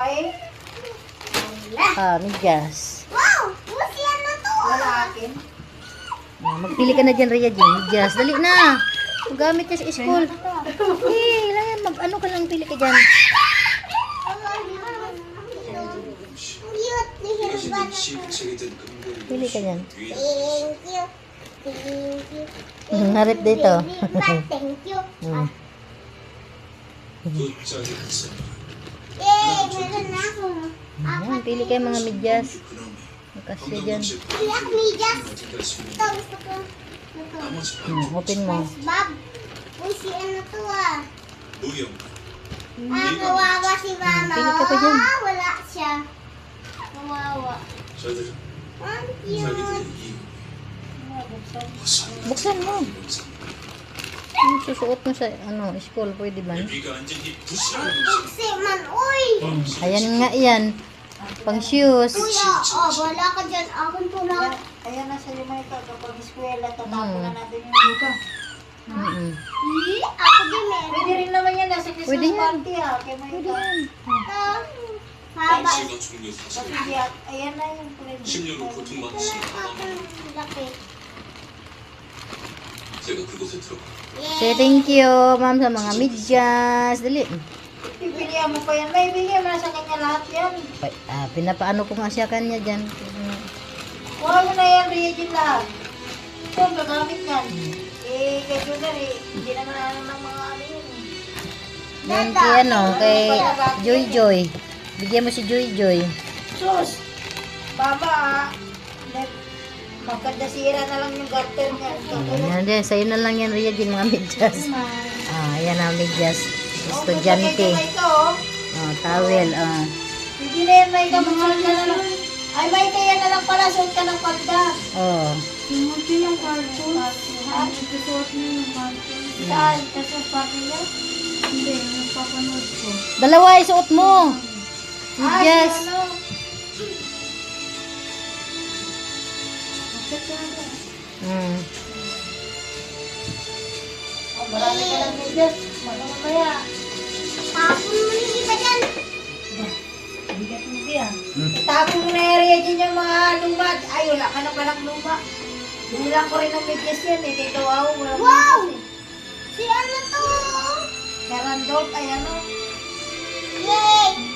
Medyas. Wow! Busi ano to? Wala akin. Magpili ka na dyan, Rhea Jean. Medyas. Dali na. Magamit niya sa school. Lang yan. Ano ka lang, pili ka dyan. Cute ni Hilbert. Pili ka dyan. Thank you. Thank you. Harap dito. Thank you. Hmm. Yay! Meron na ako. Ayan, pili kayo mga medyas. Makasya dyan. Pili ako medyas. Ito, gusto ko. Ito. Open mo. Bob. Uy, si ano to ah. Kawawa si mama. Pili ka pa dyan. Wala siya. Kawawa. Ang cute. Buksan mo. Yung susuot mo sa school, pwede ba? Buksi man, uy. Ayan nga yan. Pang shoes. Kuya, wala ka dyan. Akong tulad. Ayan na sa'yo may kapag eskwela, tatapon na natin yung buka. Ako din meron. Pwede rin naman yan, nasa Pwede Christmas yan. party ha. Kaya may ito. Ito. Haba. Kasi ayan na yung pwede. Laki. Say thank you, ma'am, sa mga medyas. Dali. Pipilihan mo pa yan. May bigyan mo na sa kanya lahat yan. Pinapaano ko nga siya kanya dyan. Huwag mo na yan, Regine lahat. Ito, gagamit yan. Kay Junior hindi naman ng mga ano yun. Yan kay Joy Joy. Bigyan mo si Joy Joy. Sus! Baba magkandasira na lang yung garter niya. Yan din, sa'yo na lang yan, Rhea Jean, mga medyas. Yan ang medyas. Estudyante. Towel. Hindi na yan, may kamahal ka na lang. Ay, may kaya na lang pala, suot ka ng pagda. Simuti yung cartoon. Suot mo yung cartoon. Saan? Kasi party niya? Hindi, napapanood ko. Dalawa, isuot mo. Medyas. Ano? Marami ka lang medyas. Mamaya. Tapon mo yung iba dyan. Bigat mo yan. Itapon mo na area dyan yung mga luma. Ay, wala ka na palang luma. Binilang ko rin ng medyas yan eh. Kaya kawawa mo lang. Wow! Si ano to? Karandot, ay ano. Yay!